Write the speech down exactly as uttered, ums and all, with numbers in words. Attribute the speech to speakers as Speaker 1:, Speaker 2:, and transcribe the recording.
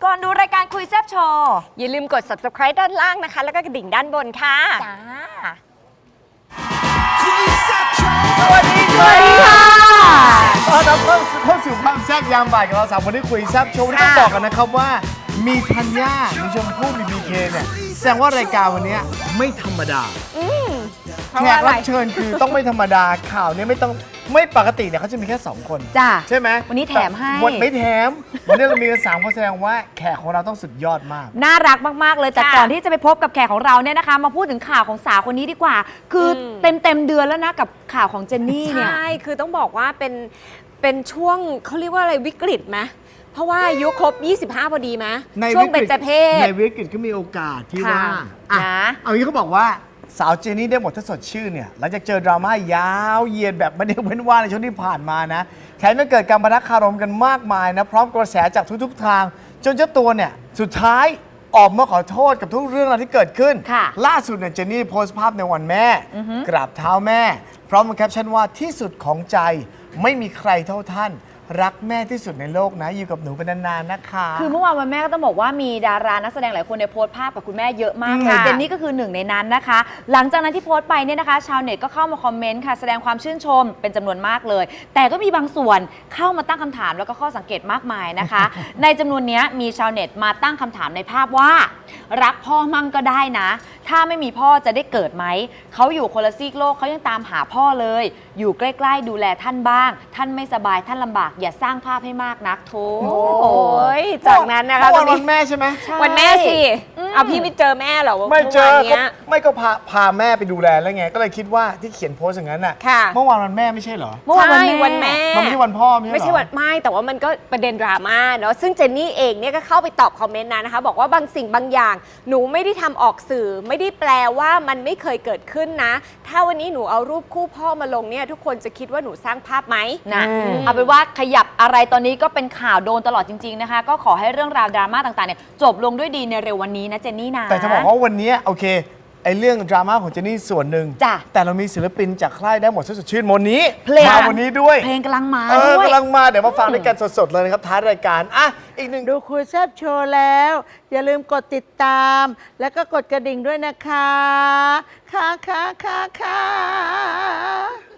Speaker 1: ก่อนดูรายการคุยแซ่บโชว์
Speaker 2: อย่าลืมกด ซับสไครบ์ ด้านล่างนะคะแล้วก็กระดิ่งด้านบนค่ะ
Speaker 1: จ้า
Speaker 3: สวัสดีสวัสดีค่ะตอนรับเข้าสู่ความแซ่บยามบ่ายกับเราสามคนที่คุยแซ่บโชว์ที่ต้องบอกกันนะครับว่ามีธัญญามีชมพู่มีบีเคเนี่ยแสดงว่ารายการวันนี้ไม่ธรรมดาแขกรับเชิญคือต้องไม่ธรรมดาข่าวนี้ไม่ต้องไม่ปกติเนี่ยเขาจะมีแค่สองคน
Speaker 1: จ้า
Speaker 3: ใช่ไหม
Speaker 1: วันนี้แถมให้
Speaker 3: วันไม่แถมวันนี้เรามีกันสามคนแสดงว่าแขกของเราต้องสุดยอดมาก
Speaker 1: น่ารักมากๆเลยแต่ก่อนที่จะไปพบกับแขกของเราเนี่ยนะคะมาพูดถึงข่าวของสาวคนนี้ดีกว่าคือเต็มเต็มเดือนแล้วนะกับข่าวของเจนนี่เนี่ย
Speaker 2: ใช่คือต้องบอกว่าเป็นเป็นช่วงเขาเรียกว่าอะไรวิกฤตไหมเพราะว่าอายุครบยี่สิบห้าพอดีไหมช่วงเบญจเพศ
Speaker 3: ในวิกฤตก็มีโอกาสที่ว่าอ่ะเอางี้เขาบอกว่าสาวเจนนี่ได้หมดถ้าสดชื่นเนี่ยหลังจากเจอดราม่ายาวเหยียดแบบไม่ได้เว้นว่างในช่วงที่ผ่านมานะแถมยังเกิดการปะทะคารมกันมากมายนะพร้อมกระแสจากทุกๆทางจนเจ้าตัวเนี่ยสุดท้ายออกมาขอโทษกับทุกเรื่องราวที่เกิดขึ้นล่าสุดเนี่ยเจนนี่โพสต์ภาพในวันแม่กราบเท้าแม่พร้อมกับแคปชั่นว่าที่สุดของใจไม่มีใครเท่าท่านรักแม่ที่สุดในโลกนะอยู่กับหนูเป็นนานๆนะคะ
Speaker 1: คือเมื่อวานวันแม่ก็ต้องบอกว่ามีดารานักแสดงหลายคนในโพสต์ภาพกับคุณแม่เยอะมากเลยเจนนี่ก็คือหนึ่งในนั้นนะคะหลังจากนั้นที่โพสต์ไปเนี่ยนะคะชาวเน็ตก็เข้ามาคอมเมนต์ค่ะแสดงความชื่นชมเป็นจำนวนมากเลยแต่ก็มีบางส่วนเข้ามาตั้งคำถามแล้วก็ข้อสังเกตมากมายนะคะ ในจำนวนนี้มีชาวเน็ตมาตั้งคำถามในภาพว่ารักพ่อมั่งก็ได้นะถ้าไม่มีพ่อจะได้เกิดไหมเขาอยู่คนละซีกโลกเขายังตามหาพ่อเลยอยู่ใกล้ๆดูแลท่านบ้างท่านไม่สบายท่านลำบากอย่าสร้างภาพให้มากนักโถ
Speaker 2: โอ้ยจากนั้นนะคะ
Speaker 3: วันแม่ใช่ไหม
Speaker 2: วันแม่สิเอาพี่ไม่เจอแม่เหรอ
Speaker 3: ไม่เจอไม่ก็พาพาแม่ไปดูแลแล้วไงก็เลยคิดว่าที่เขียนโพสอย่างนั้นน่ะเมื่อวานวันแม่ไม่ใช่เหรอ
Speaker 2: เมื่อวานวันแม่
Speaker 3: มันไม่ใช่วันพ่อ
Speaker 2: ไม่ใช่วันไม่แต่ว่ามันก็ประเด็นดราม่าเนาะซึ่งเจนนี่เองเนี่ยก็เข้าไปตอบคอมเมนต์นะคะบอกว่าบางสิ่งบางอย่างหนูไม่ได้ทำออกสื่อไม่ได้แปลว่ามันไม่เคยเกิดขึ้นนะถ้าวันนี้หนูเอารูปคู่พ่อมาลงเนี่ยทุกคนจะคิดว่าหนูสร้างภาพไหม
Speaker 1: นะเอาเป็นว่าขยับอะไรตอนนี้ก็เป็นข่าวโดนตลอดจริงๆนะคะก็ขอให้เรื่องราวดราม่าต่างๆเนี่ยจบลงด้วยดีในเร็ววันนี้นะเจนนี่นะ
Speaker 3: แต่จะบอกว่าวันนี้โอเคไอ้เรื่องดราม่าของเจนนี่ส่วนหนึ่งแต่เรามีศิลปินจากค่ายได้หมดสดชื่นวันนี้มาวันนี้ด้วย
Speaker 1: เพลงกำลังมา
Speaker 3: ด้วยกำลังมาเดี๋ยวมาฟังด้วยกันสดๆเลยนะครับท้ายรายการอ่ะอีกหนึ่ง
Speaker 4: ดูคุยแซ่บโชว์แล้วอย่าลืมกดติดตามแล้วก็กดกระดิ่งด้วยนะคะค่ะค่ะค่ะค่ะ